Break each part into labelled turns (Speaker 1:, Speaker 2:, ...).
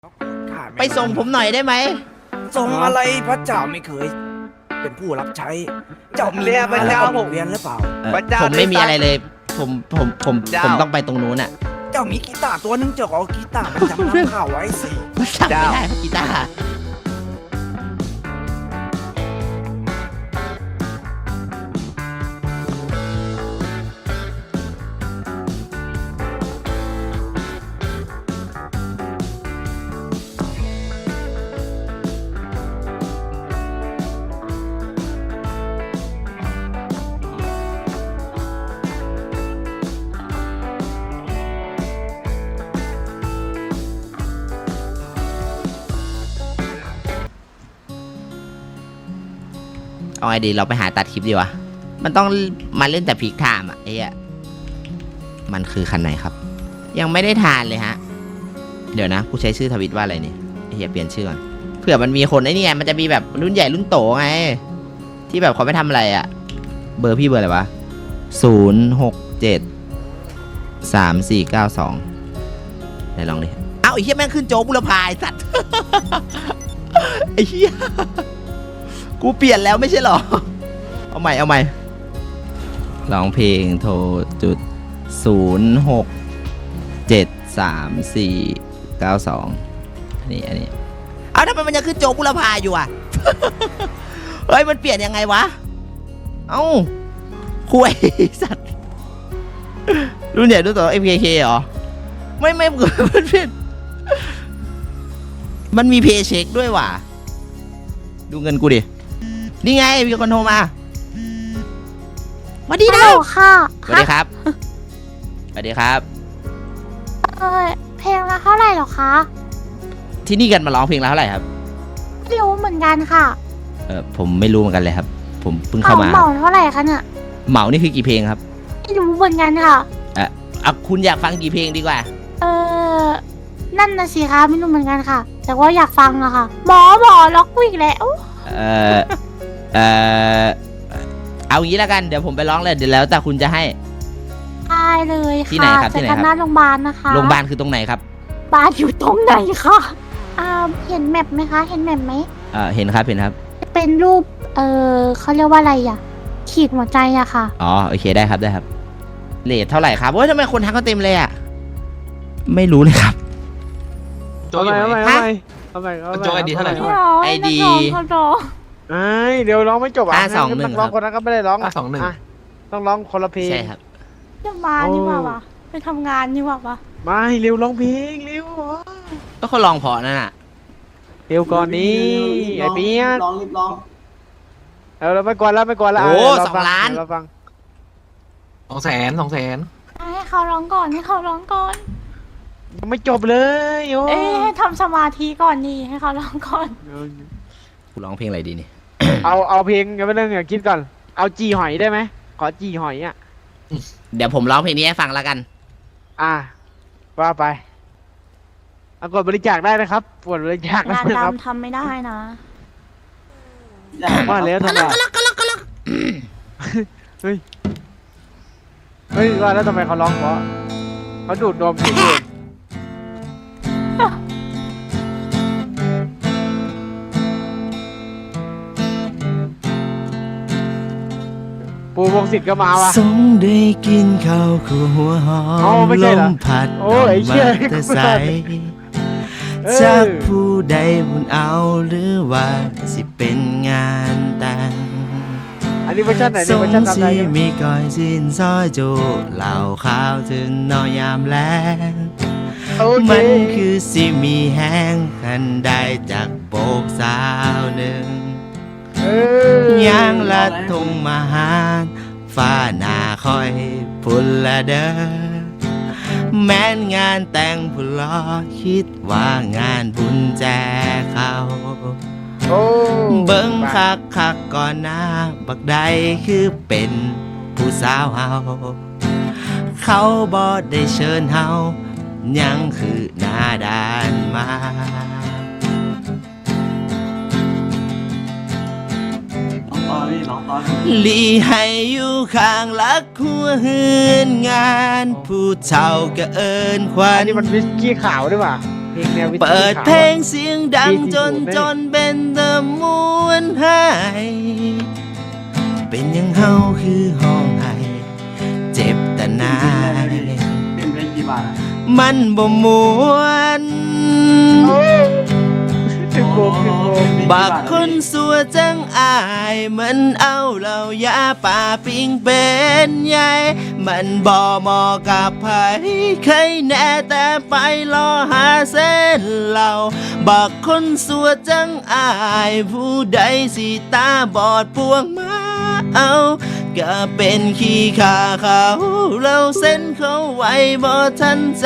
Speaker 1: ไปส่งผมหน่อยได้ไหม
Speaker 2: ส่งอะไรพระเจ้าไม่เคยเป็นผู้รับใช้เจ้ามีพระเจ้าผมเรียนหรือเปล่า
Speaker 1: ผมไม่มีอะไรเลยผมต้องไปตรงนู้นอ่ะ
Speaker 2: เจ้ามีกีตาร์ตัวนึงเจ้าเอากีตาร์มันจำนำข้าวไว้สิ
Speaker 1: จำไม่ได้กีตาร์เอาไงดีเราไปหาตัดคลิปดีวะมันต้องมาเล่นแต่พีคไทม์อ่ะไอ้อะมันคือคันไหนครับยังไม่ได้ทานเลยฮะเดี๋ยวนะกูใช้ชื่อทวิตว่าอะไรนี่ไอ้เหี้ยเปลี่ยนชื่อก่อนเผื่อมันมีคนไอ้นี่ไงมันจะมีแบบรุ่นใหญ่รุ่นโตไงที่แบบเขาไม่ทำอะไรอ่ะเบอร์พี่เบอร์อะไรวะ0673492ไหนลองดิเอ้าไอ้เหี้ยแม่งขึ้นโจ๊กบุรพาไอ้สัตว์ ไอ้เหี้ยกูเปลี่ยนแล้วไม่ใช่หรอเอาใหม่ร้องเพลงโทรจุด0673492อันนี้เอาทำไมมันยังขึ้นโจ๊กบุรพาอยู่อ่ะ เฮ้ยมันเปลี่ยนยังไงวะเอ้าคุยสัตว์รุ่นใหญ่รุ่นโต MKK เหรอไม่มันเปลี่ยนมันมีเพย์เช็คด้วยว่ะดูเงินกูดินี่ไงมีคนโทรมาสวัสดีนะ
Speaker 3: ค่ะ
Speaker 1: สวัสดีครับสวัสดีครับ
Speaker 3: เพลงละเท่าไหร่หรอคะ
Speaker 1: ที่นี่กันมาร้องเพลงแล้วเท่าไหร่ครับ
Speaker 3: ไม่รู้เหมือนกันค่ะ
Speaker 1: ผมไม่รู้เหมือนกันเลยครับผมเพิ่งเข้ามา
Speaker 3: เหมาเท่าไหร่คะเนี่ย
Speaker 1: เหมานี่คือกี่เพลงครับ
Speaker 3: ไม่รู้เหมือนกันค่ะ
Speaker 1: คุณอยากฟังกี่เพลงดีกว่า
Speaker 3: นั่นนะสิคะไม่รู้เหมือนกันค่ะแต่ว่าอยากฟังอะค่ะหมอล็อกกูอีกแล้ว
Speaker 1: เอางี้แล้วกันเดี๋ยวผมไปร้องเลยเดี๋ยวแล้วแต่คุณจะให้
Speaker 3: ได้เลยค่ะ
Speaker 1: ที่ไหนครับที่ไหนครับ
Speaker 3: หน้าโรงพยาบาลนะคะ
Speaker 1: โรงพยาบาลคือตรงไหนครับ
Speaker 3: บ้านอยู่ตรงไหนคะเห็นแมปไหมคะเห็นแมปไหม
Speaker 1: เห็นครับ
Speaker 3: เป็นรูปเขาเรียกว่าอะไรอะขีดหัวใจอะค่ะ
Speaker 1: อ๋อโอเคได้ครับเรทเท่าไหร่ครับโอ้ยทำไมคนทักก็เต็มเลยอะไม่รู้เลยครับ
Speaker 4: โจยเอาไปโจยไอดีเท่าไหร่
Speaker 1: ไอดี
Speaker 4: เดี๋ยวร้องไม่จบอ่ะ
Speaker 1: 521
Speaker 4: ร้องคนนั้นก็ไม่ได้ร้อง521ต้องร้องคนละเพลง
Speaker 1: ใช่ครับ
Speaker 3: จะมานี่ว่าวะไปทำงานนี่ว่าวะ
Speaker 4: ไม่เร็วร้องเพลงเร็ว
Speaker 1: ก็เขาลองพอนั่นน่ะ
Speaker 4: เร็วก่อนนี้ไอเปี๊ยก
Speaker 2: รีบร้อง
Speaker 4: เราไม่กวนแล้ว
Speaker 1: โอ้2 ล้าน
Speaker 4: เราฟัง200,000
Speaker 3: ให้เขาร้องก่อน
Speaker 4: ยังไม่จบเลยโอ้
Speaker 3: ให้ทำสมาธิก่อนนี่ให้เขาร้องก่อน
Speaker 1: กูร้องเพลงอะไรดีนี่
Speaker 4: เอาเพลงกันไปเรื่องคิดก่อนเอาจีหอยได้ไหมขอจีหอยอ่ะ
Speaker 1: เดี๋ยวผมร้องเพลงนี้ให้ฟังแล้วกัน
Speaker 4: ว่าไปกดบริจาคได้นะครับกดบริจาค
Speaker 3: งานดำทำไม่ได้นะ
Speaker 4: ว่าแล้วทำไมเฮ้ยว่าแล้วทำไมเขาร้องเพราะเขาดูดนมอยู่ปูวงศิษย์ก็มาวะ
Speaker 1: สงได้กินข้าวคู่หัวหอมลมพัดออกมาแต่ใสจากผู้ใดบุญเอาหรือว่าสิเป็นงานแต่ง
Speaker 4: อันนี้เวอร์ชันไหน
Speaker 1: นี่เวอร์ชันทำไงมีก้อยสินซอยจูเหล่าข้าวถึงนอยามแลงมันคือสิมีแห้งคันได้จากโบกสาวหนึ่งย่างละทงมาหาฟ้าหน้าคอยพุ่นละเด้อแม้นงานแต่งผู้รอคิดว่างานบุญแจกเขาเบิ่งคักก่อนหน้าบักใดคือเป็นผู้สาวเฮาเขาบ่ได้เชิญเฮายังคือหน้าด้านมาลีให้อยู่ข้างลักหัวหืนงานผู้เฒ่าก็เอิ้นควัน
Speaker 4: นี่มันวิสกี้ขาวด้วยป่ะเพลงแนววิทยุ
Speaker 1: เปิด
Speaker 4: ขาว
Speaker 1: เพล
Speaker 4: อะ
Speaker 1: งเสียงดังจน
Speaker 4: 40
Speaker 1: จนเป็นตะมวนหายเป็นยังเฮาคือห้องไห้เจ็บแต่นายมันบ่มวน
Speaker 4: ถึงโมง
Speaker 1: บักคนสัวจังอายมันเอาเหล่ายาป่าปิงเป็นใหญ่มันบ่เหมาะกับไผใครแน่แต่ไปรอหาเส้นเหล่าบักคนสัวจังอายผู้ใดสิตาบอดพวงมาเอาก็เป็นขี้ขาเขาเราเส้นเขาไว้บ่ทันใจ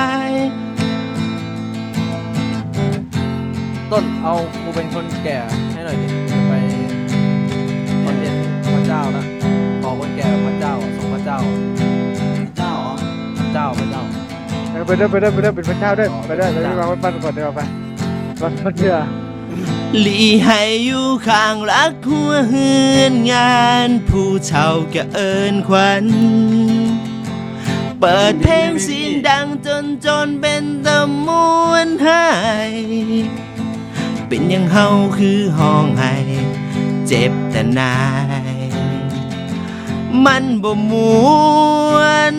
Speaker 2: ต้นเอากูเป็นคนแก่ให้หน่อยดิไปคอนเทนต์พระเจ้านะขอคนแก่พระเจ้าส่งพระเจ้าเจ้าพระเจ้า
Speaker 4: ไปด้วยเป็นพระเจ้าด้วยไปด้วยเราจะวางไว้ปั้นก่อนเดี๋ยวไปมันเชื่อ
Speaker 1: หลีให้อยู่ข้างรักหัวหืนงานผู้เฒ่าก็เอินขวัญเปิดเพลงเสียงดังจนเป็นตะมวนหายเป็นยังเฮาคือห้องไห้เจ็บแต่นายมันบ่มวน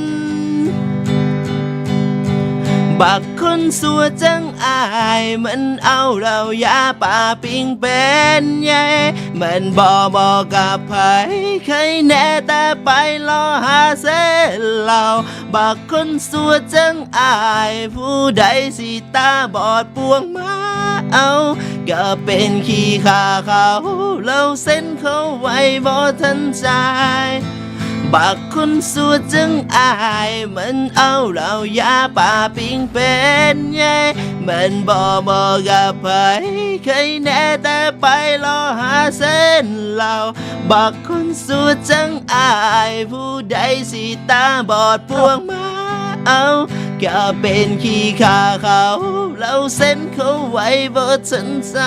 Speaker 1: บักคนสัวจังอายมันเอาเรายาป่าปิงเป็นใหญ่มันบ่บอกกับไผใครแน่แต่ไปรอหาเส้นเหล่าบักคนสัวจังอายผู้ใดสิตาบอดปวงมาเอาก็เป็นขี้ขาเขาเราเส้นเขาไว้บ่ทันใจบักคนสัวจึงอายมันเอาเรายาป่าปิงเป็นใหญ่มันบ่บอกกับไผใครแน่แต่ไปรอหาเส้นเหล่าบักคนสัวจึงอายผู้ใดสิตาบอดพวงมาเอาก็เป็นขี้ขาเขาเราเส้นเขาไว้บ่ทันใจ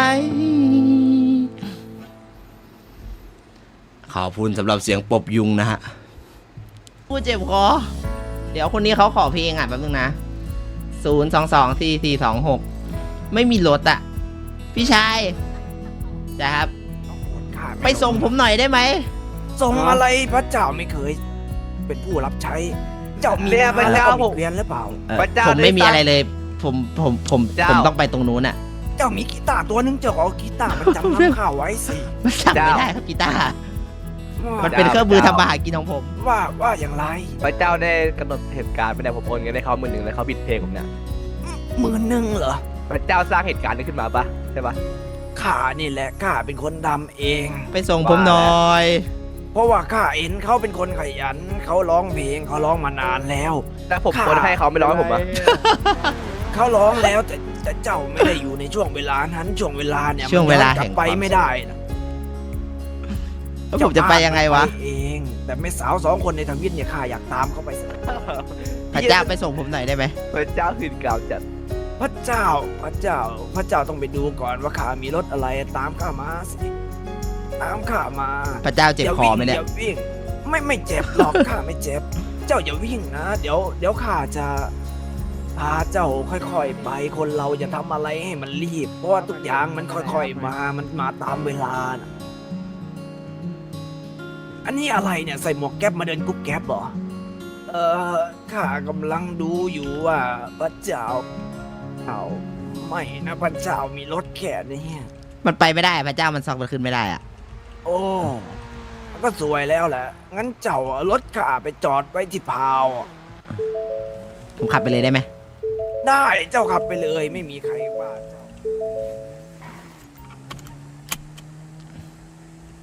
Speaker 1: ขอบคุณสำหรับเสียงปบยุงนะฮะพูดเจ็บคอเดี๋ยวคนนี้เขาขอเพลงอ่ะแป๊บนึงนะ0224426ไม่มีรถอ่ะพี่ชายจ้ะครับไปส่งผมหน่อยได้ไหม
Speaker 2: ส่งอะไรพระเจ้าไม่เคย เป็นผู้รับใช้ เจ้ามีงานแล้วก็มีเรียนหรือเปล่า
Speaker 1: ผมไม่มีอะไรเลยผมต้องไปตรงนู้นอ่ะ
Speaker 2: เจ้ามีกีตาร์ตัวนึงเจ้าเอากีตาร์มันจำนำข้าวไว้สิ
Speaker 1: มันสั่งไม่ได้ครับกีตาร์มันเป็นเครื่องมือทำมาหากินของผม
Speaker 2: ว่าอย่างไร
Speaker 5: พระเจ้าได้กำหนดเหตุการณ์ไปเนี่ยผมโอนเงินให้เขา10,000แล้วเขาบิดเพลงผมเนี่ย
Speaker 2: 10,000เหรอ
Speaker 5: พระเจ้าสร้างเหตุการณ์นี้ขึ้นมาปะใช่ปะ
Speaker 2: ข้านี่แหละข้าเป็นคนดำเอง
Speaker 1: ไปส่งผมหน่อย
Speaker 2: เพราะว่าข้าเห็นเขาเป็นคนขยันเขาร้องเพลงเขาร้องมานานแล้ว
Speaker 5: แล้วผมโอนให้เขาไม่ร้องให้ผมปะ
Speaker 2: เขาร้องแล้วแต่เจ้าไม่ได้อยู่ในช่วงเวลานั้นช่วงเวลาเนี่ย
Speaker 1: ช่วงเวลา
Speaker 2: มันย้อนก
Speaker 1: แห่
Speaker 2: ลั
Speaker 1: ง
Speaker 2: บไปไม่ได้นะ
Speaker 1: แล้วผมจะไปยังไงวะ
Speaker 2: เจ้าเองแต่ไม่สาว2 คนในทวิตเนี่ยข้าอยากตามเขาไปสิ
Speaker 1: พระเจ้าไปส่งผมหน่อยได้ไหม
Speaker 5: พระเจ้าหื่นกล่าวจัด
Speaker 2: พระเจ้าต้องไปดูก่อนว่าข้ามีรถอะไรตามข้ามาสิตามข้ามา
Speaker 1: พระเจ้าเจ็บคอไหมเนี่ย
Speaker 2: อย่าวิ่งไม่เจ็บหรอก ข้าไม่เจ็บ เจ้าอย่าวิ่งนะเดี๋ยวข้าจะพาเจ้าค่อยๆไปคนเราอย่าทำอะไรให้มันรีบ เพราะว่าทุกอย่างมันค่อยๆมันมาตามเวลานะอันนี้อะไรเนี่ยใส่หมวกแก๊ปมาเดินกุ๊บแก๊ปเหรอข้ากำลังดูอยู่ว่าพระเจ้าไม่นะพระเจ้ามีรถแค่นี้
Speaker 1: มันไปไม่ได้พระเจ้ามันซอกมันขึ้นไม่ได้อ่ะ
Speaker 2: โอ้ก็สวยแล้วแหละ งั้นเจ้าเอารถข้าไปจอดไว้ที่พาวอะ
Speaker 1: ผมขับไปเลยได้ไหม
Speaker 2: ได้เจ้าขับไปเลยไม่มีใครว่าเจ้า